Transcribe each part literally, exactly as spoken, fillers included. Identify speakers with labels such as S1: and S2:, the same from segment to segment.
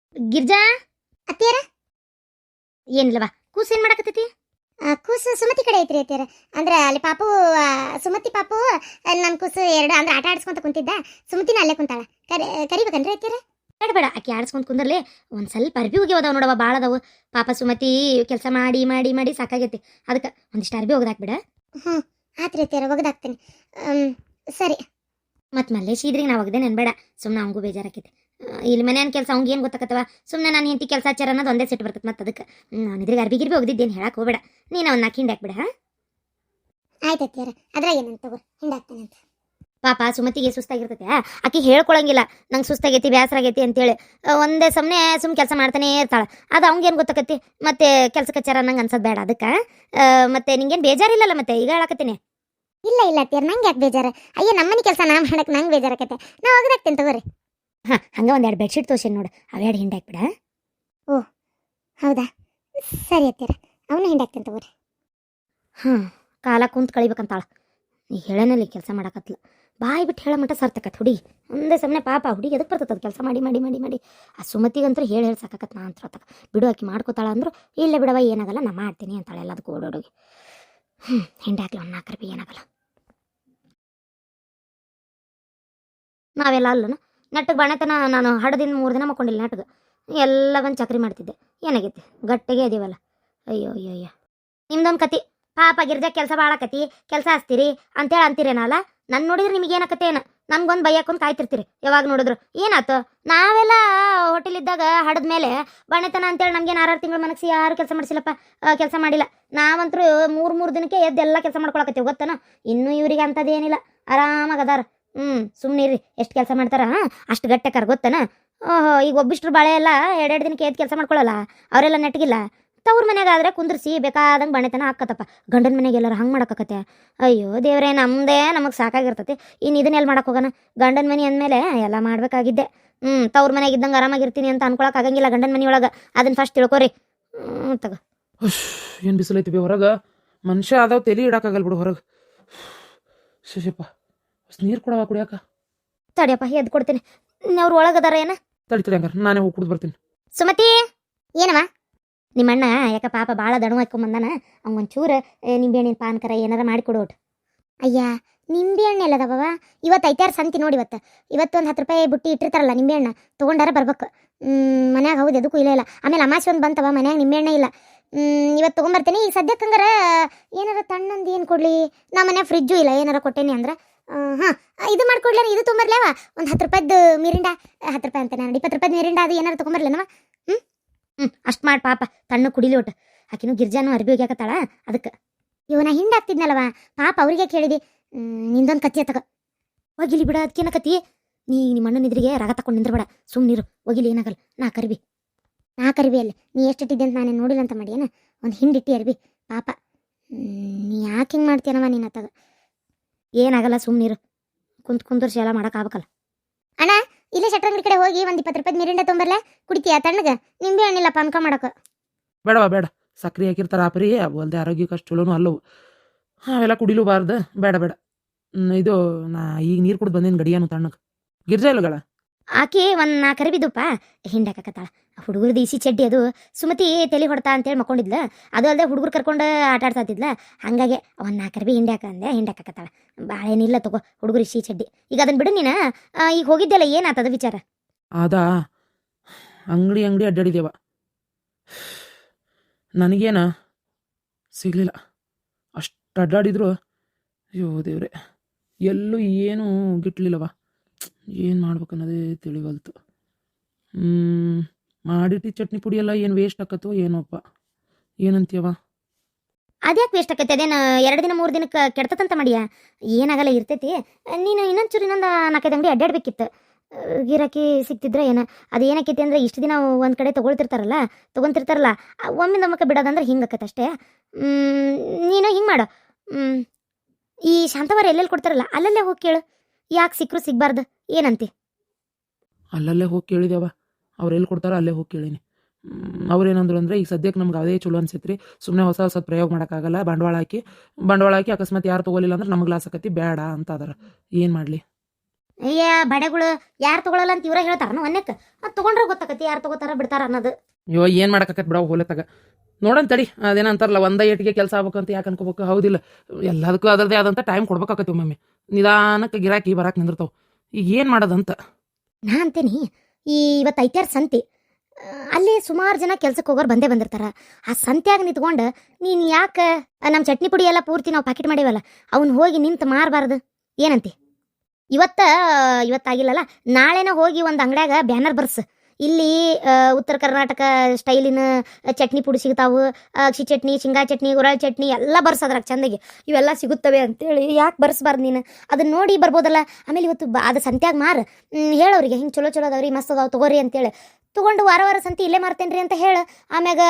S1: ಗಿರ್ಜಾ
S2: ಅತ್ತಿಯರ
S1: ಏನಿಲ್ಲವಾ ಕೂಸು ಏನ್ ಮಾಡಕತ್ತೈತಿ?
S2: ಕೂಸು ಸುಮತಿ ಕಡೆ ಐತ್ರಿ ಅತ್ತಿಯರ. ಅಂದ್ರೆ ಅಲ್ಲಿ ಪಾಪು ಆ, ಸುಮತಿ ಪಾಪು ನನ್ನ ಕೂಸು ಎರಡು ಅಂದ್ರೆ ಆಟ ಆಡಿಸ್ಕೊಂತ ಕುಂತಿದ್ದ. ಸುಮತಿನ ಅಲ್ಲೇ ಕುಂತಾಳ. ಕರಿ ಕರಿಬೇಕನ್ರಿ ಅತ್ತಿಯರ?
S1: ಬೇಡ ಬೇಡ, ಆಕಿ ಆಡ್ಸ್ಕೊಂಡ್ ಕುಂದರ್ಲಿ. ಒಂದ್ ಸ್ವಲ್ಪ ಅರ್ಬಿ ಹೋಗ್ಯಾವದಾವ ನೋಡವ, ಭಾಳ ಅದಾವು. ಪಾಪ ಸುಮತಿ ಕೆಲಸ ಮಾಡಿ ಮಾಡಿ ಮಾಡಿ ಸಾಕಾಗೈತಿ. ಅದಕ್ಕೆ ಒಂದಿಷ್ಟು ಅರ್ಬಿ ಒಗ್ದಾಕ್ಬಿಡ.
S2: ಹ್ಞೂ ಆತ್ರಿ ಅತ್ತಿಯರ, ಒಗದಾಕ್ತೇನೆ. ಸರಿ.
S1: ಮತ್ ಮಲ್ಲೇಶ್ ಇದ್ರಿಗೆ ನಾ ಒಗ್ದೆ ನೆನ್ಬೇಡ, ಸುಮ್ಮನೆ ಅವಂಗೂ ಬೇಜಾರಾಕೈತಿ. ಆ, ಇಲ್ಲಿ ಮನೆಯನ್ ಕೆಲಸ ಅವ್ಗೆ ಏನು ಗೊತ್ತಾಕತ್ತವ? ಸುಮ್ಮನೆ ನಾನು ಹೆಂಡತಿ ಕೆಲಸ ಹಚ್ಚಾರ ಅನ್ನೋದು ಒಂದೇ ಸಿಟ್ಟು ಬರ್ತೈತೆ. ಮತ್ತೆ ಅದಕ್ಕೆ ನಾನು ಇದ್ರಿಗೆ ಅರ್ಬಿ ಗಿರ್ಬಿ ಒಗ್ದಿದ್ದೇನು ಹೇಳಕ್ ಹೋಗ್ಬೇಡ. ನೀನು ಅವನ್ನ ಹಿಂಡಿ ಹಾಕ್ಬಿಡ. ಹಾ,
S2: ಆಯ್ತು ಅತ್ತಿಯರ, ಅದ್ರಾಗ ಏನಂತ ತಗೋ, ಹಿಂಡಾಕ್ತೇನೆ ಅಂತ.
S1: ಪಾಪ ಸುಮತಿಗೆ ಸುಸ್ತಾಗಿರ್ತೈತೆ, ಆಕಿ ಹೇಳ್ಕೊಳಂಗಿಲ್ಲ ನಂಗೆ ಸುಸ್ತಾಗೈತಿ ಬ್ಯಾಸರ ಆಗೈತಿ ಅಂತೇಳಿ. ಆ, ಒಂದೇ ಸಮನೆ ಸುಮ್ ಕೆಲಸ ಮಾಡ್ತಾನೆ ಇರ್ತಾಳೆ. ಅದು ಅವ್ಗೇನು ಗೊತ್ತಾಕತಿ? ಮತ್ತೆ ಕೆಲಸ ಕಚ್ಚಾರ ನಂಗೆ ಅನ್ಸೋದು ಬೇಡ. ಅದಕ್ಕೆ ಮತ್ತೆ ನಿಂಗೇನು ಬೇಜಾರಿಲ್ಲಲ್ಲ? ಮತ್ತೆ ಈಗ ಹೇಳಕತ್ತೀನಿ.
S2: ಇಲ್ಲ ಇಲ್ಲ ಅತ್ತಿಯರ, ನಂಗೆ ಯಾಕೆ ಬೇಜಾರು? ಅಯ್ಯೋ ನಮ್ಮನೆ ಕೆಲಸ ನಾ ಮಾಡಕ್ಕೆ ನಂಗೆ ಬೇಜಾರಾಕತ್ತೆ. ನಾ ಒಗದಾಕ್ತೇನೆ ತಗೋರಿ.
S1: ಹಾಂ, ಹಂಗೆ ಒಂದೆರಡು ಬೆಡ್ಶೀಟ್ ತೋರ್ಸೇನು ನೋಡು, ಅವೆರಡು ಹಿಂಡಿ ಹಾಕ್ಬಿಡ.
S2: ಹೌದಾ, ಸರಿ ಅತ್ತಿಯರ, ಅವನು ಹಿಂಡಾಕ್ತೇನೆ ತಗೋರಿ.
S1: ಹಾಂ, ಕಾಲ ಕುಂತ್ ಕಳಿಬೇಕಂತಾಳ. ಈಗ ಹೇಳನಲ್ಲಿ ಕೆಲಸ ಮಾಡಕತ್ಲ, ಬಾಯಿ ಬಿಟ್ಟು ಹೇಳ ಮಟ್ಟ ಸರ್ತಕತ್ ಹುಡುಗಿ. ಒಂದೇ ಸಮನೆ ಪಾಪ ಹುಡುಗಿ ಎದಕ್ಕೆ ಬರ್ತದ ಕೆಲಸ ಮಾಡಿ ಮಾಡಿ ಮಾಡಿ ಮಾಡಿ. ಆ ಸುಮತಿಗಂತೂ ಹೇಳಿ ಹೇಳಿ ಸಾಕತ್ ನಾ ಅಂತ ತಕ ಬಿಡು, ಆಕಿ ಮಾಡ್ಕೋತಾಳ ಅಂದ್ರು ಇಲ್ಲ ಬಿಡವ ಏನಾಗಲ್ಲ ನಾ ಮಾಡ್ತೀನಿ ಅಂತಾಳೆ ಎಲ್ಲದಕ್ಕೂ ಓಡೋಡುಗಿ. ಹ್ಞೂ, ಹಿಂಡಿ ಹಾಕ್ಲಿ ಒಂದು ನಾಲ್ಕು ರೂಪಾಯಿ ಏನಾಗಲ್ಲ. ನಾವೆಲ್ಲ ಅಲ್ಲನ ನೆಟ್ಟಗೆ ಬಣತನ ನಾನು ಹಡದಿಂದ ಮೂರು ದಿನ ಮಕ್ಕೊಂಡಿಲ್ಲ. ನೆಟ್ಟಗೆ ಎಲ್ಲ ಬಂದು ಚಕ್ರಿ ಮಾಡ್ತಿದ್ದೆ. ಏನಾಗೈತಿ? ಗಟ್ಟಿಗೆ ಅದೀವಲ್ಲ. ಅಯ್ಯೋ ಅಯ್ಯೋ ಅಯ್ಯೋ, ನಿಮ್ದೊಂದು ಕತಿ. ಪಾಪ ಗಿರ್ಜಾ ಕೆಲಸ ಭಾಳಕತಿ, ಕೆಲಸ ಹಚ್ತೀರಿ ಅಂತೇಳಿ ಅಂತೀರೇನಲ್ಲ. ನನ್ನ ನೋಡಿದ್ರೆ ನಿಮಗೆ ಏನಕತ್ತೇನು? ನನ್ಗೊಂದು ಬೈಯಾಕೊಂದು ಕಾಯ್ತಿರ್ತೀರಿ ಯಾವಾಗ ನೋಡಿದ್ರು. ಏನಾಯ್ತು? ನಾವೆಲ್ಲ ಹೋಟೆಲಿದ್ದಾಗ ಹಡದ ಮೇಲೆ ಬಣತನ ಅಂತೇಳಿ ನಮ್ಗೇನು ಆರಾರು ತಿಂಗಳು ಮನಸ್ಸಿ ಯಾರು ಕೆಲಸ ಮಾಡಿಸಿಲ್ಲಪ್ಪ, ಕೆಲಸ ಮಾಡಿಲ್ಲ. ನಾವಂತರೂ ಮೂರು ಮೂರು ದಿನಕ್ಕೆ ಎದ್ದೆಲ್ಲ ಕೆಲಸ ಮಾಡ್ಕೊಳಕತ್ತೀವಿ ಗೊತ್ತನ. ಇನ್ನೂ ಇವ್ರಿಗೆ ಅಂಥದ್ದೇನಿಲ್ಲ, ಆರಾಮಾಗಿ ಅದಾರ. ಹ್ಞೂ, ಸುಮ್ಮನೆ ಇರ್ರಿ. ಎಷ್ಟು ಕೆಲಸ ಮಾಡ್ತಾರ ಅಷ್ಟು ಗಟ್ಟೆಕಾರ ಗೊತ್ತನ. ಓಹೋ, ಈಗ ಒಬ್ಬಿಷ್ಟ್ರು ಬಾಳೆ ಎಲ್ಲ ಎರಡೆರಡು ದಿನಕ್ಕೆ ಎದ್ದು ಕೆಲಸ ಮಾಡ್ಕೊಳ್ಳಲ್ಲ, ಅವರೆಲ್ಲ ನೆಟ್ಗಿಲ್ಲ. ತವ್ರ ಮನ್ಯಾಗ ಆದ್ರೆ ಕುಂದ್ರಿಸಿ ಬೇಕಾದಂಗೆ ಬಣೆತನ ಹಾಕತ್ತಪ್ಪ. ಗಂಡನ ಮನೆಗೆ ಎಲ್ಲರೂ ಹಂಗೆ ಮಾಡಕತ್ತೆ. ಅಯ್ಯೋ ದೇವ್ರೇ, ನಮ್ಮದೇ ನಮಗೆ ಸಾಕಾಗಿರ್ತೈತಿ. ಇನ್ನು ಇದನ್ನೆಲ್ಲ ಮಾಡಕ್ಕೆ ಹೋಗೋಣ? ಗಂಡನ ಮನೆ ಅಂದಮೇಲೆ ಎಲ್ಲ ಮಾಡಬೇಕಾಗಿದ್ದೆ. ಹ್ಞೂ, ತವ್ರ ಮನೆಗೆ ಇದ್ದಂಗೆ ಆರಾಮಾಗಿರ್ತೀನಿ ಅಂತ ಅನ್ಕೊಳಕ್ಕೆ ಆಗಂಗಿಲ್ಲ ಗಂಡನ ಮನೆಯೊಳಗೆ. ಅದನ್ನು ಫಸ್ಟ್ ತಿಳ್ಕೊರಿ. ಹ್ಞೂ ತಗೋ.
S3: ಏನು ಬಿಸಿಲೈತಿ ಬಿ ಹೊರಗೆ. ಮನುಷ್ಯ ಅದಾವ ತಲೆ ಇಡಕ್ಕಾಗಲ್ಲ ಬಿಡು ಹೊರಗೆ. ಶಶಪ್ಪ, ನೀರು ಕೊಡವ ಕುಡಿಯಾಕ.
S1: ತಡಿಯಪ್ಪ, ಎದ್ದು ಕೊಡ್ತೀನಿ. ಅವ್ರು ಒಳಗದಾರ ಏನ?
S3: ತಡಿ ತಡಿ, ಹಂಗಾರೆ ನಾನೇ ಹೋಗಿ ಕುಡಿದು ಬರ್ತೀನಿ.
S1: ಸುಮತಿ,
S2: ಏನವ?
S1: ನಿಮ್ಮಣ್ಣ ಯಾಕ ಪಾಪ ಭಾಳ ದಣು ಹಾಕೊಂಬಂದಾನ. ಅವ್ಗೊಂಚೂರು ನಿಂಬೆಹಣ್ಣಿನ ಪಾನ್ಕರ ಏನಾರ ಮಾಡಿಕೊಡು ಒಟ್ಟು.
S2: ಅಯ್ಯ, ನಿಂಬೆ ಹಣ್ಣು ಎಲ್ಲದವ? ಇವತ್ತು ಐತಾರು ಸಂತಿ ನೋಡಿ. ಇವತ್ತು ಇವತ್ತು ಒಂದು ಹತ್ತು ರೂಪಾಯಿ ಬುಟ್ಟಿ ಇಟ್ಟಿರ್ತಾರಲ್ಲ ನಿಂಬೆ ಹಣ್ಣು, ತೊಗೊಂಡಾರ ಬರ್ಬೇಕು. ಮನ್ಯಾಗ ಹೌದು ಎದಕ್ಕೂ ಇಲ್ಲ ಇಲ್ಲ. ಆಮೇಲೆ ಅಮಾಸೆ ಒಂದು ಬಂತವ, ಮನ್ಯಾಗ ನಿಂಬೆ ಹಣ್ಣೆ ಇಲ್ಲ. ಇವತ್ತು ತೊಗೊಂಬರ್ತೀನಿ. ಈಗ ಸದ್ಯಕ್ಕೆ ಹಂಗಾರ ಏನಾರ ತಣ್ಣಂದು ಏನು ಕೊಡಲಿ? ನಮ್ಮ ಮನ್ಯಾಗ ಫ್ರಿಜ್ಜು ಇಲ್ಲ. ಏನಾರ ಕೊಟ್ಟೇನಿ ಅಂದ್ರೆ ಹಾಂ ಇದು ಮಾಡ್ಕೊಡ್ಲ, ಇದು ತೊಗೊಂಬರ್ಲೇವ? ಒಂದು ಹತ್ತು ರೂಪಾಯ್ದು ಮಿರಿಂಡ, ಹತ್ತು ರೂಪಾಯಿ ಅಂತ ನಾನು ಇಪ್ಪತ್ತು ರೂಪಾಯ್ದು ಮಿರಿಂಡ ಅದು ಏನಾರು ತೊಗೊಂಬರ್ಲೇನವ? ಹ್ಞೂ
S1: ಹ್ಞೂ, ಅಷ್ಟು ಮಾಡಿ ಪಾಪ ತಣ್ಣು ಕುಡಿಲಿ ಒಟ್ಟು. ಆಕಿನೂ ಗಿರ್ಜಾನು ಅರ್ಬಿ ಹೋಗ್ಯಾಕತ್ತಾಳ. ಅದಕ್ಕೆ
S2: ಇವನ ಹಿಂಡಾಗ್ತಿದ್ನಲ್ಲವ, ಪಾಪ ಅವ್ರಿಗೆ ಕೇಳಿದಿ. ನಿಂದೊಂದು ಕತ್ತಿ ತಗ
S1: ಹೋಗಿಲಿ ಬಿಡ. ಅದಕ್ಕೇನ ಕತಿ? ನೀ ನಿಮ್ಮ ಅಣ್ಣನ ಇದ್ರಿಗೆ ರಾಗ ತಕೊಂಡು ನಿಂದ್ರಬೇಡ, ಸುಮ್ಮನಿರು. ಹೋಗಿಲಿ, ಏನಾಗಲ್ಲ. ನಾ ಕರಿಬಿ
S2: ನಾ ಕರಿಬಿ ಅಲ್ಲಿ ನೀ ಎಷ್ಟಿಟ್ಟಿದ್ದೆ ಅಂತ ನಾನೇನು ನೋಡಿಲ್ಲ ಅಂತ ಮಾಡಿ ಏನ? ಒಂದು ಹಿಂಡಿಟ್ಟಿ ಅರ್ಬಿ ಪಾಪ. ನೀ ಯಾಕೆ ಹಿಂಗೆ ಮಾಡ್ತೀನವ ನೀನು ಅತ್ತಾಗ?
S1: ಏನಾಗಲ್ಲ, ಸುಮ್ಮನಿರು. ಕುಂತ್ ಕುಂದರ್ಸಿ ಎಲ್ಲ ಮಾಡೋಕ್ಕಾಗಲ್ಲ.
S2: ಅಣ್ಣ, ಇಲ್ಲೇ ಶಟ್ರಂಗಡಿ ಕಡೆ ಹೋಗಿ ಒಂದು ಇಪ್ಪತ್ತು ರೂಪಾಯಿ ಮಿರಿಂಡ ತೊಗೊಂಬರ್ಲೆ, ಕುಡಿತೀಯ ತಣ್ಣಗೆ? ನಿಂಬೆ ಹಣ್ಣಿಲ್ಲ ಪಾನ್ಕ ಮಾಡೋಕೆ.
S3: ಬೇಡವಾ ಬೇಡ, ಸಕ್ರೆ ಹಾಕಿರ್ತಾರ ಆಪರಿ, ಅಲ್ದೆ ಆರೋಗ್ಯಕ್ಕೆ ಅಷ್ಟು ಚಲೋನು ಅಲ್ಲವು. ಅವೆಲ್ಲ ಕುಡಿಲೂಬಾರ್ದು. ಬೇಡ ಬೇಡ. ಹ್ಮ್, ಇದು ನಾ ಈಗ ನೀರು ಕುಡ್ದು ಬಂದೇನು ಗಡಿಯಾನು ತಣ್ಣಗೆ. ಗಿರ್ಜಾ ಇಲ್ಲಗಳ?
S1: ಆಕಿ ಒಂದು ನಾ ಕರಿಬಿದ್ದಪ್ಪ ಹಿಂಡಾಕತ್ತಾಳ. ಹುಡುಗರದ್ದು ಇಸಿ ಚಡ್ಡಿ ಅದು ಸುಮತಿ ತಲೆ ಹೊಡ್ತಾ ಅಂತೇಳಿ ಮಕ್ಕೊಂಡಿದ್ಲ. ಅದು ಅಲ್ಲದೆ ಹುಡುಗರು ಕರ್ಕೊಂಡು ಆಟ ಆಡ್ತಾತಿದ್ಲ. ಹಾಗಾಗಿ ಒಂದು ನಾ ಕರಿಬಿ ಹಿಂಡ್ಯಾಕ ಅಂದೆ, ಹಿಂಡಾಕತ್ತಾಳ. ಭಾಳ ಏನಿಲ್ಲ ತಗೋ ಹುಡುಗರು ಇಸಿ ಚಡ್ಡಿ. ಈಗ ಅದನ್ನ ಬಿಡು ನೀನು. ಈಗ ಹೋಗಿದ್ದೆಲ್ಲ ಏನಾತದ ವಿಚಾರ?
S3: ಅದಾ, ಅಂಗಡಿ ಅಂಗಡಿ ಅಡ್ಡಾಡಿದೇವ, ನನಗೇನ ಸಿಗಲಿಲ್ಲ. ಅಷ್ಟು ಅಡ್ಡಾಡಿದ್ರು ಅಯ್ಯೋ ದೇವ್ರೆ, ಎಲ್ಲೂ ಏನೂ ಗಿಟ್ಲಿಲ್ಲವ. ಏನು ಮಾಡ್ಬೇಕನ್ನೋದೇ ತಿಳಿವಲ್ತು. ಹ್ಞೂ, ಮಾಡಿಟ್ಟು ಚಟ್ನಿ ಪುಡಿ ಎಲ್ಲ ಏನು ವೇಸ್ಟ್ ಆಕತ್ತೋ ಏನೋಪ್ಪ. ಏನಂತೀಯವ?
S1: ಅದ್ಯಾಕೆ ವೇಸ್ಟ್ ಆಕೈತೆ? ಅದೇನು ಎರಡು ದಿನ ಮೂರು ದಿನಕ್ಕೆ ಕೆಡ್ತದಂತ ಮಾಡಿಯ? ಏನಾಗಲ್ಲ, ಇರ್ತೈತಿ. ನೀನು ಇನ್ನೊಂದು ಚೂರು ಇನ್ನೊಂದು ನಾಲ್ಕೈದು ಅಂಗಡಿ ಅಡ್ಡಾಡ್ಬೇಕಿತ್ತು, ಗಿರಾಕಿ ಸಿಕ್ತಿದ್ರೆ ಏನು. ಅದು ಏನಕ್ಕೈತಿ ಅಂದರೆ ಇಷ್ಟು ದಿನ ಒಂದು ಕಡೆ ತೊಗೊಳ್ತಿರ್ತಾರಲ್ಲ ತೊಗೊತಿರ್ತಾರಲ್ಲ ಒಮ್ಮೆ ನಮ್ಮಕ್ಕೆ ಬಿಡೋದಂದ್ರೆ ಹಿಂಗೆ ಆಕೈತೆ ಅಷ್ಟೇ. ನೀನು ಹಿಂಗೆ ಮಾಡು, ಈ ಶಾಂತವಾರ ಎಲ್ಲೆಲ್ಲಿ ಕೊಡ್ತಾರಲ್ಲ ಅಲ್ಲಲ್ಲೇ ಹೋಗಿ ಕೇಳು. ಯಾಕೆ ಸಿಕ್ಕರು ಸಿಗಬಾರ್ದು ಏನಂತಿ?
S3: ಅಲ್ಲಲ್ಲೇ ಹೋಗಿ ಕೇಳಿದೇವ, ಅವ್ರು ಎಲ್ಲಿ ಕೊಡ್ತಾರೋ ಅಲ್ಲೇ ಹೋಗಿ ಕೇಳೀನಿ. ಅವ್ರೇನಂದ್ರು ಅಂದರೆ ಈಗ ಸದ್ಯಕ್ಕೆ ನಮ್ಗೆ ಅದೇ ಚಲೋ ಅನ್ಸೈತ್ರಿ, ಸುಮ್ಮನೆ ಹೊಸ ಹೊಸ ಪ್ರಯೋಗ ಮಾಡೋಕ್ಕಾಗಲ್ಲ, ಬಂಡವಾಳ ಹಾಕಿ ಬಂಡವಾಳ ಹಾಕಿ ಅಕಸ್ಮಾತ್ ಯಾರು ತೊಗೊಲಿಲ್ಲ ಅಂದ್ರೆ ನಮಗೆ ಲಾಸ್ ಆಕತಿ, ಬೇಡ ಅಂತ ಅದಾರ. ಏನು ಮಾಡಲಿ?
S1: ಅಯ್ಯ ಬಡೆಗಳು ಯಾರು ತಗೊಳಲ್ಲ ಅಂತ ಇವ್ರ ಹೇಳ್ತಾರ ಅನ್ನಕ್ಕೆ ಅದು ತೊಗೊಂಡ್ರೆ ಗೊತ್ತಾಕತಿ ಯಾರು ತಗೋತಾರ ಬಿಡ್ತಾರ ಅನ್ನೋದು.
S3: ಅಯ್ಯೋ ಏನು ಮಾಡಕತ್ತೈತೆ ಬಿಡವ ಹೋಲತ್ತಾಗ ನೋಡೋಣ ತಡಿ. ಅದೇನ ಅಂತಾರಲ್ಲ ಒಂದ ಏಟಿಗೆ ಕೆಲಸ ಆಗ್ಬೇಕಂತ ಯಾಕೆ ಅನ್ಕೋಬೇಕು. ಹೌದಿಲ್ಲ, ಎಲ್ಲದಕ್ಕೂ ಅದರದೇ ಆದಂಥ ಟೈಮ್ ಕೊಡ್ಬೇಕಾಕತಿ. ಒಮ್ಮೊಮ್ಮೆ ನಿಧಾನಕ್ಕೆ ಗಿರಾಕಿ ಬರಾಕ್ ನಿಂದಿರ್ತಾವ. ಈಗ ಏನು ಮಾಡೋದಂತ
S1: ನಾ ಅಂತೀನಿ, ಈ ಇವತ್ತು ಐತ್ಯಾರ ಸಂತಿ ಆ, ಅಲ್ಲಿ ಸುಮಾರು ಜನ ಕೆಲ್ಸಕ್ಕೆ ಹೋಗೋರು ಬಂದೇ ಬಂದಿರ್ತಾರ. ಆ ಸಂತ್ಯಾಗ ನಿಂತ್ಕೊಂಡು ನೀನು ಯಾಕೆ ನಮ್ಮ ಚಟ್ನಿ ಪುಡಿ ಎಲ್ಲ ಪೂರ್ತಿ ನಾವು ಪ್ಯಾಕೆಟ್ ಮಾಡೀವಲ್ಲ ಅವ್ನು ಹೋಗಿ ನಿಂತು ಮಾರಬಾರ್ದು ಏನಂತಿ? ಇವತ್ತ ಇವತ್ತಾಗಿಲ್ಲಲ್ಲ, ನಾಳೆನ ಹೋಗಿ ಒಂದು ಅಂಗಡ್ಯಾಗ ಬ್ಯಾನರ್ ಬರ್ಸು, ಇಲ್ಲಿ ಆ, ಉತ್ತರ ಕರ್ನಾಟಕ ಸ್ಟೈಲಿನ ಚಟ್ನಿ ಪುಡಿ ಸಿಗ್ತಾವು, ಅಕ್ಷಿ ಚಟ್ನಿ, ಶೇಂಗಾ ಚಟ್ನಿ, ಗುರಾಳ್ ಚಟ್ನಿ ಎಲ್ಲ ಬರ್ಸೋದ್ರಾಗ ಚಂದಾಗಿ ಇವೆಲ್ಲ ಸಿಗುತ್ತವೆ ಅಂತೇಳಿ. ಯಾಕೆ ಬರ್ಸ್ಬಾರ್ದು ನೀನು? ಅದನ್ನ ನೋಡಿ ಬರ್ಬೋದಲ್ಲ. ಆಮೇಲೆ ಇವತ್ತು ಬ ಅದು ಸಂತ್ಯಾಗ ಮಾರು, ಹೇಳೋರಿಗೆ ಹಿಂಗೆ ಚಲೋ ಚಲೋ ಅದಾವ್ರಿ, ಮಸ್ತ್ ಅದಾವ ತಗೋರಿ ಅಂತೇಳಿ. ತೊಗೊಂಡು ವಾರ ವಾರ ಸಂತಿ ಇಲ್ಲೇ ಮಾರ್ತೇನೆ ರೀ ಅಂತ ಹೇಳು. ಆಮ್ಯಾಗ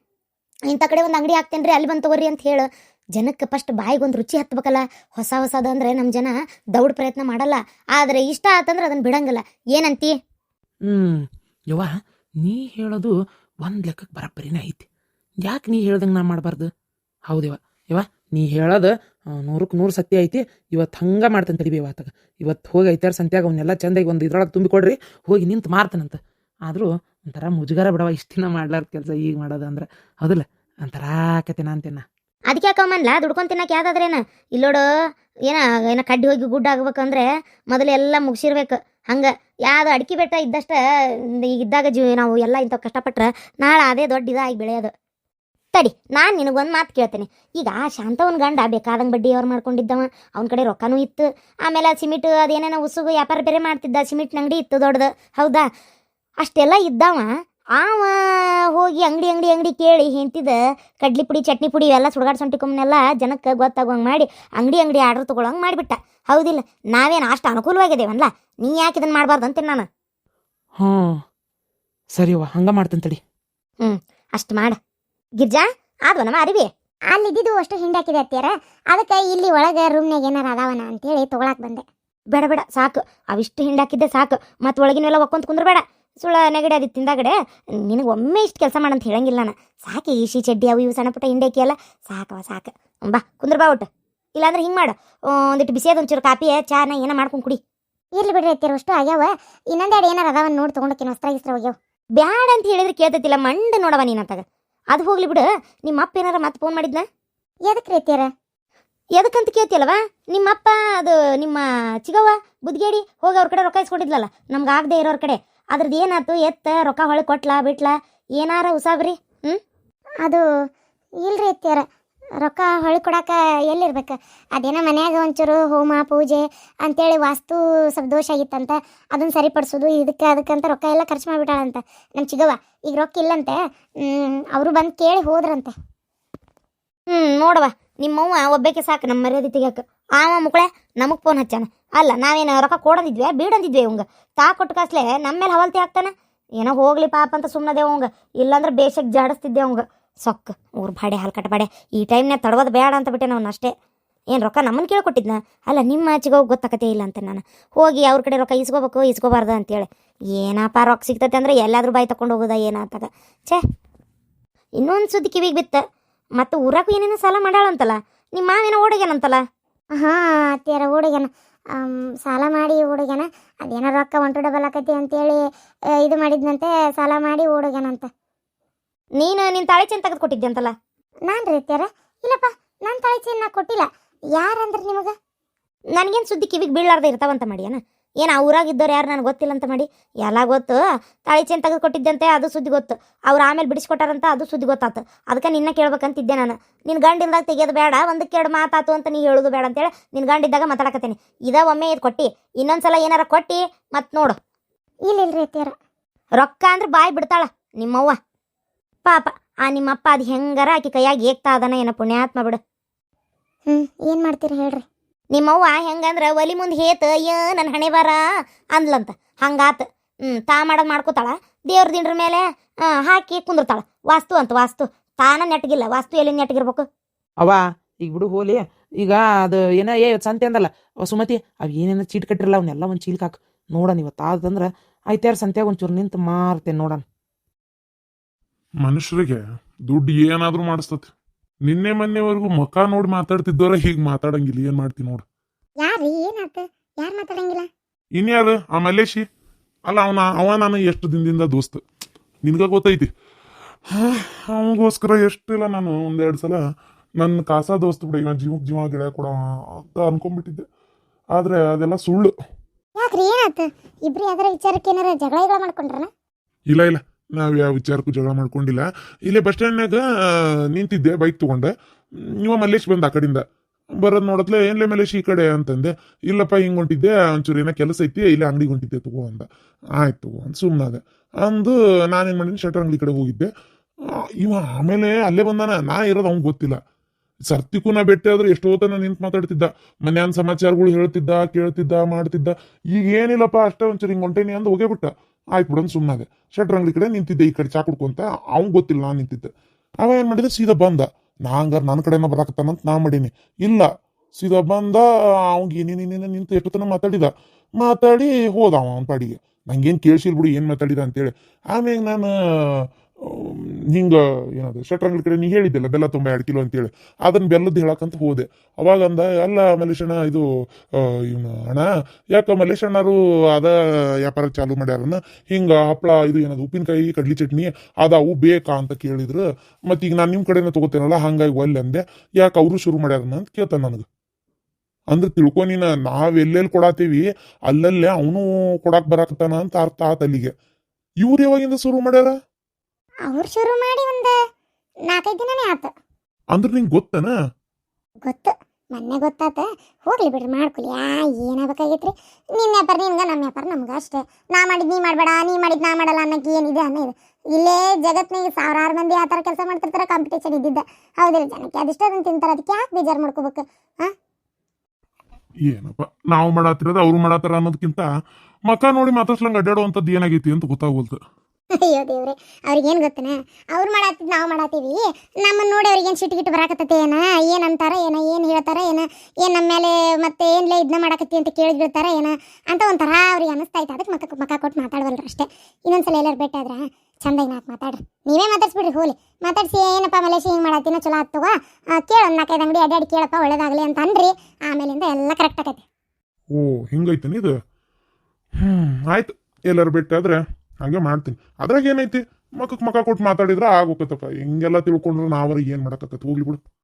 S1: ಇಂಥ ಕಡೆ ಒಂದು ಅಂಗಡಿ ಹಾಕ್ತೇನೆ ರೀ ಅಲ್ಲಿ ಬಂದು ತಗೋರಿ ಅಂತ ಹೇಳು. ಜನಕ್ಕೆ ಫಸ್ಟ್ ಬಾಯಿಗೆ ಒಂದು ರುಚಿ ಹತ್ಬೇಕಲ್ಲ. ಹೊಸ ಹೊಸದು ಅಂದರೆ ನಮ್ಮ ಜನ ದೌಡ್ ಪ್ರಯತ್ನ ಮಾಡಲ್ಲ. ಆದರೆ ಇಷ್ಟ ಆತಂದ್ರೆ ಅದನ್ನು ಬಿಡಂಗಿಲ್ಲ. ಏನಂತಿ?
S3: ಹ್ಞೂ ಯವ್ವ, ನೀ ಹೇಳೋದು ಒಂದು ಲೆಕ್ಕಕ್ಕೆ ಬರಬ್ಬರಿನೇ ಐತಿ. ಯಾಕೆ ನೀ ಹೇಳ್ದಂಗೆ ನಾ ಮಾಡಬಾರ್ದು? ಹೌದಿವ ಯವ್ವ, ನೀ ಹೇಳೋದು ನೂರಕ್ಕೆ ನೂರು ಸತ್ಯ ಐತಿ. ಇವತ್ತು ಹಂಗೆ ಮಾಡ್ತೇನೆ ತಡಿಬಿ. ಇವತ್ತಾಗ ಇವತ್ತು ಹೋಗಿ ಐತಾರ ಸಂತ್ಯಾಗ ಅವನ್ನೆಲ್ಲ ಚಂದಾಗಿ ಒಂದು ಇದ್ರೊಳಗೆ ತುಂಬಿಕೊಡ್ರಿ, ಹೋಗಿ ನಿಂತು ಮಾರ್ತಾನಂತ. ಆದರೂ ಒಂಥರ ಮುಜುಗಾರ ಬಿಡವ ಇಷ್ಟು ದಿನ ಮಾಡ್ಲಾರ್ದ ಕೆಲಸ ಈಗ ಮಾಡೋದು ಅಂದ್ರೆ. ಹೌದಿಲ್ಲ, ಒಂಥರ ಆಕತೇನ ಅಂತೇನ.
S1: ಅದಕ್ಕೆ ಯಾಕಮ್ಮನ್ಲ ದುಡ್ಕೊಂಡು ತಿನ್ನಕ್ಕೆ ಯಾವ್ದಾದ್ರೇನ ಇಲ್ಲೋಡು. ಏನ ಏನ ಕಡ್ಡಿ ಹೋಗಿ ಗುಡ್ಡ ಆಗ್ಬೇಕಂದ್ರೆ ಮೊದಲು ಎಲ್ಲ ಮುಗಿಸಿರ್ಬೇಕು. ಹಂಗೆ ಯಾವ್ದು ಅಡಿಕೆ ಬೆಟ್ಟ ಇದ್ದಷ್ಟ ಈಗ ಇದ್ದಾಗ ಜೀವ ನಾವು ಎಲ್ಲ ಇಂಥವು ಕಷ್ಟಪಟ್ರೆ ನಾಳೆ ಅದೇ ದೊಡ್ಡ ಇದಾಗಿ ಬೆಳೆಯೋದು. ತಡಿ, ನಾನು ನಿನಗೊಂದು ಮಾತು ಕೇಳ್ತೇನೆ. ಈಗ ಶಾಂತವನ್ ಗಂಡ ಬೇಕಾದಂಗೆ ಬಡ್ಡಿ ಅವ್ರು ಮಾಡ್ಕೊಂಡಿದ್ದವ, ಅವನ ಕಡೆ ರೊಕ್ಕನೂ ಇತ್ತು. ಆಮೇಲೆ ಸಿಮೆಂಟ್ ಅದೇನೇನೋ ಉಸುಗು ವ್ಯಾಪಾರ ಬೇರೆ ಮಾಡ್ತಿದ್ದ, ಸಿಮೆಂಟ್ನ ಅಂಗಡಿ ಇತ್ತು ದೊಡ್ಡದು. ಹೌದಾ? ಅಷ್ಟೆಲ್ಲ ಇದ್ದಾವ. ಆವ ಹೋಗಿ ಅಂಗಡಿ ಅಂಗಡಿ ಅಂಗಡಿ ಕೇಳಿ ಹೆಂತಿದ ಕಡ್ಲಿ ಪುಡಿ, ಚಟ್ನಿ ಪುಡಿ ಇವೆಲ್ಲ ಸುಡ್ಗಾಡ್ ಸೊಂಟಿಕೊಮ್ಮನೆಲ್ಲ ಜನಕ್ಕೆ ಗೊತ್ತಾಗುವಂಗೆ ಮಾಡಿ ಅಂಗಡಿ ಅಂಗಡಿ ಆರ್ಡ್ರ್ ತೊಗೊಳಂಗೆ ಮಾಡಿಬಿಟ್ಟ. ಹೌದಿಲ್ಲ? ನಾವೇನು ಅಷ್ಟು ಅನುಕೂಲವಾಗಿದ್ದೇವಲ್ಲ, ನೀ ಯಾಕೆ ಇದನ್ನು ಮಾಡಬಾರ್ದು ಅಂತೀನಿ ನಾನು.
S3: ಹ್ಞೂ ಸರಿಯವ್ವ, ಹಂಗೆ ಮಾಡ್ತೇನೆ ತಡಿ.
S1: ಹ್ಞೂ ಅಷ್ಟು ಮಾಡ. ಗಿರ್ಜಾ ಆದ್ವ ನಮ್ಮ ಅರಿವಿ?
S2: ಅಲ್ಲಿದ್ದು ಅಷ್ಟು ಹಿಂಡಾಕಿದೆ ಅತ್ಯಾರ, ಅದಕ್ಕೆ ಇಲ್ಲಿ ಒಳಗೆ ರೂಮ್ನಾಗ ಏನಾರ ಅದಾವನ ಅಂತೇಳಿ ತೊಗೊಳಕ್ ಬಂದೆ.
S1: ಬೇಡ ಬೇಡ ಸಾಕು, ಅವಿಷ್ಟು ಹಿಂಡಾಕಿದ್ದೆ ಸಾಕು. ಮತ್ತು ಒಳಗಿನೆಲ್ಲ ಒಕ್ಕೊಂತ ಕುಂದ್ರಬೇಡ. ಸುಳ್ಳ ನೆಗಡಿ ಅದು ತಿಂದಾಗಡೆ ನಿನಗೆ ಒಮ್ಮೆ ಇಷ್ಟು ಕೆಲಸ ಮಾಡಂತ ಹೇಳಂಗಿಲ್ಲ ನಾನು. ಸಾಕು, ಈಶಿ ಚಡ್ಡಿ ಅವು ಇವು ಸಣ್ಣ ಪುಟ್ಟ ಹಿಂಡಾಕಿ ಅಲ್ಲ, ಸಾಕವ ಸಾಕು. ಬಾ ಕುಂದ್ರ ಬಾ ಒಟ್ಟು. ಇಲ್ಲಾಂದ್ರೆ ಹಿಂಗೆ ಮಾಡು, ಒಂದಿಟ್ಟು ಬಿಸಿಯಾದ ಒಂಚೂರು ಕಾಪಿ ಚಾನ ಏನೋ ಮಾಡ್ಕೊಂಡು ಕುಡಿ.
S2: ಇರ್ಲಿ ಬಿಡ್ರಿ ಅತ್ಯಾರ, ಅಷ್ಟು ಆಗ್ಯಾವ. ಇನ್ನೊಂದೆರಡು ಏನಾರ ಅದಾವನ್ ನೋಡಿ ತೊಗೊಂಡಕ್ಕೆ ವಸ್ತ್ರ ಗಿಸ್ತ್ರ ಹೋಗ್ಯಾವ.
S1: ಬ್ಯಾಡ ಅಂತ ಹೇಳಿದ್ರೆ ಕೇಳ್ತೈತಿಲ್ಲ, ಮಂಡ ನೋಡವ ನೀನಂತಾಗ. ಅದು ಹೋಗ್ಲಿ ಬಿಡು. ನಿಮ್ಮ ಅಪ್ಪ ಏನಾರ ಮತ್ತೆ ಫೋನ್ ಮಾಡಿದ್ನ?
S2: ಎದಕ್ಕೆ ರೀ ಅತ್ಯಾರ?
S1: ಎದಕ್ಕಂತ ಕೇಳ್ತಿಯಲ್ಲವ? ನಿಮ್ಮಪ್ಪ ಅದು ನಿಮ್ಮ ಚಿಗವ್ವ ಬುದ್ಗೇಡಿ ಹೋಗಿ ಅವ್ರ ಕಡೆ ರೊಕ್ಕ ಇಸ್ಕೊಂಡಿದ್ಲಲ್ಲ ನಮ್ಗೆ ಆಗದೆ ಇರೋರ ಕಡೆ, ಅದ್ರದ್ದು ಏನಾಯ್ತು? ಎತ್ತ ರೊಕ್ಕ ಹೊಳೆ ಕೊಟ್ಲಾ ಬಿಟ್ಲಾ ಏನಾರ ಉಸಾಬ್ರಿ? ಹ್ಞೂ
S2: ಅದು ಇಲ್ರಿ ಅತ್ಯಾರ, ರೊಕ್ಕ ಹೊಳಿ ಕೊಡಾಕ ಎಲ್ಲಿರ್ಬೇಕು? ಅದೇನೋ ಮನ್ಯಾಗ ಒಂಚೂರು ಹೋಮ ಪೂಜೆ ಅಂತೇಳಿ ವಾಸ್ತು ಸ್ವಲ್ಪ ದೋಷ ಆಗಿತ್ತಂತ, ಅದನ್ನ ಸರಿಪಡಿಸೋದು ಇದಕ್ಕೆ ಅದಕ್ಕಂತ ರೊಕ್ಕ ಎಲ್ಲ ಖರ್ಚು ಮಾಡಿಬಿಟ್ಟಾಳಂತ ನಮ್ಮ ಚಿಗವ್ವ. ಈಗ ರೊಕ್ಕ ಇಲ್ಲಂತೆ, ಅವರು ಬಂದು ಕೇಳಿ ಹೋದ್ರಂತೆ.
S1: ಹ್ಞೂ ನೋಡವ, ನಿಮ್ಮವ್ವ ಒಬ್ಬಕ್ಕೆ ಸಾಕು ನಮ್ಮ ಮರ್ಯಾದೆ ತೆಗಿಯಕ್ಕೆ. ಆವ ಮುಕ್ಕಳೆ ನಮಗೆ ಫೋನ್ ಹಚ್ಚಾನ. ಅಲ್ಲ ನಾವೇನು ರೊಕ್ಕ ಕೊಡಂದಿದ್ವಿ ಬೀಡಂದಿದ್ವಿ ಅವಂಗ. ತಾ ಕೊಟ್ಟು ಕಾಸ್ಲೆ ನಮ್ಮ ಮೇಲೆ ಹವಲ್ತಿ ಹಾಕ್ತಾನೆ. ಏನೋ ಹೋಗ್ಲಿ ಪಾಪ ಅಂತ ಸುಮ್ಮನದೇ ಅವಂಗ, ಇಲ್ಲಾಂದ್ರೆ ಬೇಷಕ್ಕೆ ಜಾಡಿಸ್ತಿದ್ದೆ ಅವಂಗ. ಸೊಕ್ಕ ಊರು ಬಾಡೆ ಹಾಲು ಕಟ್ಟ ಬಾಡೆ. ಈ ಟೈಮ್ನಾಗ ತಡಗೋದು ಬೇಡ ಅಂತ ಬಿಟ್ಟೆ ನಾವು ಅಷ್ಟೇ. ಏನು ರೊಕ್ಕ ನಮ್ಮನ್ನು ಕೇಳ್ಕೊಟ್ಟಿದ್ನ? ಅಲ್ಲ ನಿಮ್ಮ ಚಿಗೋಗಿ ಗೊತ್ತಾಕತೆ ಇಲ್ಲ ಅಂತ ನಾನು ಹೋಗಿ ಅವ್ರ ಕಡೆ ರೊಕ್ಕ ಇಸ್ಕೋಬೇಕು ಇಸ್ಕೋಬಾರ್ದು ಅಂತೇಳಿ. ಏನಪ್ಪ ರೊಕ್ಕ ಸಿಗ್ತೈತೆ ಅಂದರೆ ಎಲ್ಲಾದ್ರೂ ಬಾಯಿ ತಗೊಂಡು ಹೋಗೋದ ಏನಾತಾಗ. ಛೇ, ಇನ್ನೊಂದು ಸುದ್ದಿ ಕಿವಿಗೆ ಬಿತ್ತ. ಮತ್ತು ಊರಾಗೂ ಏನೇನೋ ಸಾಲ ಮಾಡಾಳಂತಲ್ಲ ನಿಮ್ಮ ಮಾವೇನೋ ಓಡೋಗ್ಯಾನಂತಲ್ಲ?
S2: ಹಾಂ ಅತ್ಯಾರ ಓಡುಗ್ಯಾನ, ಸಾಲ ಮಾಡಿ ಓಡುಗ್ಯಾನ. ಅದೇನೋ ರೊಕ್ಕ ಒಂಟು ಡಬಲ್ ಆಕತಿ ಅಂತೇಳಿ ಇದು ಮಾಡಿದ್ನಂತೆ, ಸಾಲ ಮಾಡಿ ಓಡುಗ್ಯಾನಂತ.
S1: ನೀನು ನಿನ್ನ ತಾಳಿ ಚೆಂದ ತೆಗೆದು ಕೊಟ್ಟಿದ್ದೆ ಅಂತಲ್ಲ?
S2: ನಾನು ರೀ ಅತ್ಯಾರ? ಇಲ್ಲಪ್ಪ, ನಾನು ತಾಳಿ ಚೇನ್ ನಾ ಕೊಟ್ಟಿಲ್ಲ. ಯಾರಂದ್ರೆ ನಿಮಗೆ?
S1: ನನಗೇನು ಸುದ್ದಿ ಕಿವಿಗೆ ಬೀಳಾರ್ದೆ ಇರ್ತಾವಂತ ಮಾಡಿಯನ? ಏನು ಆ ಊರಾಗಿದ್ದವ್ರು ಯಾರು ನನಗೆ ಗೊತ್ತಿಲ್ಲ ಅಂತ ಮಾಡಿ? ಎಲ್ಲ ಗೊತ್ತು. ತಾಳಿ ಚೇನ್ ತೆಗೆದು ಕೊಟ್ಟಿದ್ದಂತೆ ಅದು ಸುದ್ದಿ ಗೊತ್ತು. ಅವ್ರು ಆಮೇಲೆ ಬಿಡಿಸ್ಕೊಟ್ಟಾರಂತ ಅದು ಸುದ್ದಿ ಗೊತ್ತಾತು. ಅದಕ್ಕೆ ನಿನ್ನ ಕೇಳ್ಬೇಕಂತಿದ್ದೆ ನಾನು. ನಿನ್ನ ಗಂಡಿಂದಾಗ ತೆಗಿಯೋದು ಬೇಡ, ಒಂದಕ್ಕೆ ಎರಡು ಮಾತಾತು ಅಂತ ನೀ ಹೇಳೋದು ಬೇಡ ಅಂತೇಳಿ ನಿನ್ನ ಗಂಡಿದ್ದಾಗ ಮಾತಾಡಕತ್ತೇನೆ. ಇದ ಒಮ್ಮೆ ಇದು ಕೊಟ್ಟು ಇನ್ನೊಂದ್ಸಲ ಏನಾರ ಕೊಟ್ಟು ಮತ್ತು ನೋಡು.
S2: ಇಲ್ಲ ಇಲ್ರಿ ಅತ್ಯಾರ,
S1: ರೊಕ್ಕ ಅಂದ್ರೆ ಬಾಯಿ ಬಿಡ್ತಾಳ ನಿಮ್ಮವ್ವ. ಪಾಪ ಆ ನಿಮ್ಮಪ್ಪ ಅದು ಹೆಂಗಾರ ಆಕಿ ಕೈಯಾಗಿ ಏಕ್ತಾ ಅದನ ಏನೋ ಪುಣ್ಯಾತ್ಮ ಬಿಡು.
S2: ಹ್ಞೂ ಏನು ಮಾಡ್ತೀರಿ ಹೇಳ್ರಿ?
S1: ನಿಮ್ಮವ್ವ ಹೆಂಗಂದ್ರೆ ಒಲಿ ಮುಂದೆ ಹೇತ ಅಯ್ಯ ನನ್ನ ಹಣೆ ಬಾರ ಅಂದ್ಲಂತ. ಹಂಗಾತ. ಹ್ಞೂ ತಾ ಮಾಡೋದು ಮಾಡ್ಕೋತಾಳ, ದೇವ್ರ ದಿಂಡ್ರ ಮೇಲೆ ಹಾಕಿ ಕುಂದಿರ್ತಾಳ. ವಾಸ್ತು ಅಂತ ವಾಸ್ತು. ತಾನ ನೆಟ್ಗಿಲ್ಲ, ವಾಸ್ತು ಎಲ್ಲಿ ನೆಟ್ಗಿರ್ಬೇಕು?
S3: ಅವ ಈಗ ಬಿಡು ಹೋಲಿ. ಈಗ ಅದು ಏನ ಏ ಸಂತೆ ಅಂದಲ್ಲ ಸುಮತಿ, ಅವು ಏನೇನೋ ಚೀಟ್ ಕಟ್ಟಿರಲ್ಲ ಅವನ್ನೆಲ್ಲ ಒಂದು ಚೀಲ್ಕ್ ಹಾಕು ನೋಡೋಣ. ಇವತ್ತು ಆದಂದ್ರೆ ಆಯ್ತಾರ ಸಂತ್ಯಾಗ ಒಂಚೂರು ನಿಂತು ಮಾರ್ತೇನೆ ನೋಡೋಣ.
S4: ಮನುಷ್ಯರಿಗೆ ದುಡ್ಡು ಏನಾದ್ರೂ ಮಾಡಿಸ್ತತಿ. ನಿನ್ನೆ ಮೊನ್ನೆವರೆಗೂ ಮುಖ ನೋಡಿ ಮಾತಾಡ್ತಿದ್ದವ್ರ ಹೀಗೆ ಮಾತಾಡಂಗಿಲ್ಲ. ಏನ್ ಮಾಡ್ತಿ ನೋಡು.
S2: ಯಾರ್ರಿ ಏನಾತ? ಯಾರು ಮಾತಾಡಂಗಿಲ್ಲ?
S4: ಇನ್ಯಾರು ಆ ಮಲ್ಲೇಶಿ ಅಲ್ಲ ಅವನ ಅವ ನಾನು ಎಷ್ಟು ದಿನದಿಂದ ದೋಸ್ತ ನಿನ್ಗ ಗೊತ್ತೈತಿ ಅವನಿಗೋಸ್ಕರ ಎಷ್ಟಿಲ್ಲ ನಾನು ಒಂದೆರಡು ಸಲ ನನ್ನ ಕಾಸ ದೋಸ್ತ ಬಿಡ ಇವ ಜೀವಕ್ಕೆ ಜೀವ ಗಿಡ ಕೊಡ ಅಂತ ಅನ್ಕೊಂಡ್ಬಿಟ್ಟಿದ್ದೆ ಆದ್ರೆ ಅದೆಲ್ಲ ಸುಳ್ಳು.
S2: ಯಾಕ್ರಿ ಏನಾತ ಇಬ್ರು ಯಾವ್ದಾರ ವಿಚಾರಕ್ಕೆ ಏನಾರ ಜಗಳ ಗಿಗಳ ಮಾಡ್ಕೊಂಡ್ರನ?
S4: ಇಲ್ಲ ಇಲ್ಲ ನಾವ್ ಯಾವ ವಿಚಾರಕ್ಕೂ ಜಗಳ ಮಾಡ್ಕೊಂಡಿಲ್ಲ. ಇಲ್ಲೇ ಬಸ್ ಸ್ಟ್ಯಾಂಡ್ನಾಗ ನಿಂತಿದ್ದೆ ಬೈಕ್ ತಗೊಂಡೆ, ಇವ ಮಲ್ಲೇಶ್ ಬಂದ ಆ ಕಡೆಯಿಂದ ಬರೋದ್ ನೋಡತ್ಲೆ ಏನ್ಲೆ ಮಲ್ಲೇಶ್ ಈ ಕಡೆ ಅಂತಂದೆ. ಇಲ್ಲಪ್ಪ ಹಿಂಗ್ ಹೊಂಟಿದ್ದೆ ಒಂಚೂರು ಏನೋ ಕೆಲಸ ಐತಿ ಇಲ್ಲೇ ಅಂಗಡಿಗೆ ಹೊಂಟಿದ್ದೆ ತಗೋ ಅಂದ. ಆಯ್ತು ತಗೋ ಅಂತ ಸುಮ್ಮನಾದೆ ಅಂದು ನಾನೇನ್ ಮಾಡಿನಿ ಶಟರ್ ಅಂಗಡಿ ಕಡೆ ಹೋಗಿದ್ದೆ. ಆ, ಇವ ಆಮೇಲೆ ಅಲ್ಲೇ ಬಂದಾನ, ನಾ ಇರೋದು ಅವ್ನ್ ಗೊತ್ತಿಲ್ಲ. ಸರ್ತಿಗೂ ನಾ ಭೇಟಿ ಆದ್ರೆ ಎಷ್ಟೋ ತನ ನಿಂತು ಮಾತಾಡ್ತಿದ್ದ, ಮನ್ಯಾನ್ ಸಮಾಚಾರಗಳು ಹೇಳ್ತಿದ್ದ ಕೇಳ್ತಿದ್ದ ಮಾಡ್ತಿದ್ದ. ಈಗ ಏನಿಲ್ಲಪ್ಪ ಅಷ್ಟೇ ಒಂಚೂರು ಹಿಂಗ್ ಹೊಂಟೇನಿ ಅಂದ್ ಹೋಗೇ ಬಿಟ್ಟ. ಆಯ್ತು ಬಿಡಂದ್ ಸುಮ್ಮನಾದೆ. ಶಟ್ರ್ ಅಂಗಡಿ ಕಡೆ ನಿಂತಿದ್ದೆ, ಈ ಕಡೆ ಚಾ ಕುಡ್ಕೊಂತ. ಅವ್ನ್ ಗೊತ್ತಿಲ್ಲ ನಾನ್ ನಿಂತಿದ್ದೆ. ಅವ ಏನ್ ಮಾಡಿದ ಸೀದಾ ಬಂದ. ನಾ ಹಂಗಾರ ನನ್ನ ಕಡೆನ ಬರಾಕತ್ತಾನಂತ ನಾ ಮಾಡೀನಿ. ಇಲ್ಲ ಸೀದಾ ಬಂದ, ಅವ್ಗೆ ಏನೇನೇನೇನ ನಿಂತು ಎಷ್ಟು ತನ ಮಾತಾಡಿದ. ಮಾತಾಡಿ ಹೋದ ಅವ ಅವನ ಪಾಡಿಗೆ. ನಂಗೇನ್ ಕೇಳಿಸಿಲ್ ಬಿಡು ಏನ್ ಮಾತಾಡಿದ ಅಂತೇಳಿ. ಆಮ್ಯಾಗ ನಾನು ಹಿಂಗ ಏನದು ಶಟ್ರ್ ಅಂಗಡಿ ಕಡೆ ನೀ ಹೇಳಿದ್ದೆಲ್ಲ ಬೆಲ್ಲ ತುಂಬ ಎರಡು ಕಿಲೋ ಅಂತೇಳಿ, ಅದನ್ನ ಬೆಲ್ಲದ್ದು ಹೇಳಕ್ಕಂತ ಹೋದೆ. ಅವಾಗ ಅಂದ, ಅಲ್ಲ ಮಲ್ಲೇಶಣ್ಣ ಇದು ಇವನು ಅಣ್ಣ ಯಾಕ ಮಲ್ಲೇಶಣ್ಣರು ಅದ ವ್ಯಾಪಾರ ಚಾಲು ಮಾಡ್ಯಾರನ್ನ, ಹಿಂಗ ಹಪ್ಳ ಇದು ಏನದು ಉಪ್ಪಿನಕಾಯಿ ಕಡ್ಲಿ ಚಟ್ನಿ ಅದಾವು ಬೇಕಾ ಅಂತ ಕೇಳಿದ್ರು. ಮತ್ತೀಗ ನಾನು ನಿಮ್ಮ ಕಡೆನ ತಗೋತೇನಲ್ಲ ಹಂಗಾಗಿ ಒಲ್ಲೆ ಅಂದೆ. ಯಾಕೆ ಅವರು ಶುರು ಮಾಡ್ಯಾರನ್ನ ಅಂತ ಕೇಳ್ತಾನೆ ನನಗೆ. ಅಂದ್ರೆ ತಿಳ್ಕೊ ನೀನ, ನಾವ್ ಎಲ್ಲೆಲ್ಲಿ ಕೊಡಾತೀವಿ ಅಲ್ಲಲ್ಲೇ ಅವನು ಕೊಡಾಕ್ ಬರಾಕತ್ತಾನ ಅಂತ ಅರ್ಥ ಆತ ಅಲ್ಲಿಗೆ. ಇವ್ರು ಯಾವಾಗಿಂದ ಶುರು ಮಾಡ್ಯಾರ?
S2: ಅವ್ರು ಶುರು ಮಾಡಿ ಒಂದು ನಾಲ್ಕೈದು ದಿನನೇ ಆತ.
S4: ಅಂದ್ರೆ ನಿಂಗೆ ಗೊತ್ತನ?
S2: ಗೊತ್ತು, ಮೊನ್ನೆ ಗೊತ್ತಾತ. ಹೋಗ್ಲಿ ಬಿಡ್ರಿ ಮಾಡ್ಕೊಲಿ, ಯಾ ಏನಾಗಬೇಕಾಗೈತ್ರಿ. ನಿನ್ನ ವ್ಯಾಪಾರ ನಿನ್ಗ, ನಮ್ಮ ವ್ಯಾಪಾರ ನಮ್ಗ ಅಷ್ಟೇ. ನಾ ಮಾಡಿದ್ ನೀ ಮಾಡ್ಬೇಡ, ನೀ ಮಾಡಿದ್ ನಾ ಮಾಡಲ್ಲ ಅನ್ನಕ್ಕೆ ಏನಿದೆ ಅನ್ನೋದು. ಇಲ್ಲೇ ಜಗತ್ನಾಗ ಸಾವಿರಾರು ಮಂದಿ ಆ ಥರ ಕೆಲಸ ಮಾಡ್ತಿರ್ತಾರೆ, ಕಾಂಪಿಟೇಷನ್ ಇದ್ದಿದ್ದ. ಹೌದಿಲ್ಲ, ಜನಕ್ಕೆ ಅದಿಷ್ಟ ಅದನ್ನ ತಿಂತಾರೆ, ಅದಕ್ಕೆ ಯಾಕೆ ಬೇಜಾರು ಮಾಡ್ಕೋಬೇಕು? ಹಾ
S4: ಏನಪ್ಪ ನಾವು ಮಾಡತ್ತಿರೋದು ಅವ್ರು ಮಾಡತ್ತಾರ ಅನ್ನೋದಕ್ಕಿಂತ ಮಕ ನೋಡಿ ಮಾತಾಡ್ಸ್ಲಂಗ ಅಡ್ಡಾಡುವಂಥದ್ದು ಏನಾಗೈತಿ ಅಂತ ಗೊತ್ತಾಗೋಲ್ತು.
S2: ಅಯ್ಯೋ ದೇವ್ರೆ, ಅವ್ರಿಗೇನು ಗೊತ್ತನ, ಅವ್ರು ಮಾಡತ್ತಿದ್ ನಾವು ಮಾಡತ್ತೀವಿ. ನಮ್ಮನ್ನು ನೋಡಿ ಅವ್ರಿಗೇನು ಸಿಟ್ಟು ಗಿಟ್ಟು ಬರಾಕತ್ತೈತೆ ಏನ, ಏನು ಅಂತಾರ ಏನ, ಏನು ಹೇಳ್ತಾರ ಏನ, ಏನು ನಮ್ಮ ಮೇಲೆ ಮತ್ತೆ ಏನ್ಲೇ ಇದನ್ನ ಮಾಡಕತ್ತಿ ಅಂತ ಕೇಳಿ ಬೀಳ್ತಾರ ಏನ ಅಂತ ಒಂಥರ ಅವ್ರಿಗೆ ಅನಿಸ್ತೈತೆ. ಅದಕ್ಕೆ ಮಕ್ಕ ಮಕ್ಕ ಕೊಟ್ಟು ಮಾತಾಡವಲ್ರಿ ಅಷ್ಟೇ. ಇನ್ನೊಂದ್ಸಲ ಎಲ್ಲರೂ ಭೇಟಾದ್ರ ಚಂದಾಗಿ ನಾಲ್ಕು ಮಾತಾಡ್ರಿ, ನೀವೇ ಮಾತಾಡ್ಸ್ಬಿಡ್ರಿ. ಹೋಲಿ ಮಾತಾಡ್ಸಿ, ಏನಪ್ಪ ಮಲೇಶಿ ಹಿಂಗೆ ಮಾಡತ್ತೀನೋ ಚಲೋ ಹತ್ತುವ ಕೇಳ, ಒಂದು ನಾಲ್ಕೈದು ಅಂಗಡಿ ಅಡ್ಡಾಡಿ ಕೇಳಪ್ಪ ಒಳ್ಳೇದಾಗಲಿ ಅಂತ ಅನ್ರಿ. ಆಮೇಲಿಂದ ಎಲ್ಲ ಕರೆಕ್ಟ್ ಆಗತ್ತೆ.
S4: ಓ ಹಿಂಗೈತೇನೆ ಇದು. ಹ್ಮ್ ಆಯ್ತು, ಎಲ್ಲರೂ ಭೇಟಿಯಾದ್ರೆ ಹಂಗೆ ಮಾಡ್ತೀನಿ. ಅದ್ರಾಗ ಏನೈತಿ, ಮಕ್ಕಕ್ಕೆ ಮಕ್ಕ ಕೊಟ್ಟು ಮಾತಾಡಿದ್ರೆ ಆಗೋಕತ್ತಪ್ಪ. ಹಿಂಗೆಲ್ಲ ತಿಳ್ಕೊಂಡ್ರೆ ನಾವ್ರಿಗೆ ಏನು ಮಾಡಕತ್ತ, ಹೋಗ್ಲಿ ಬಿಡು.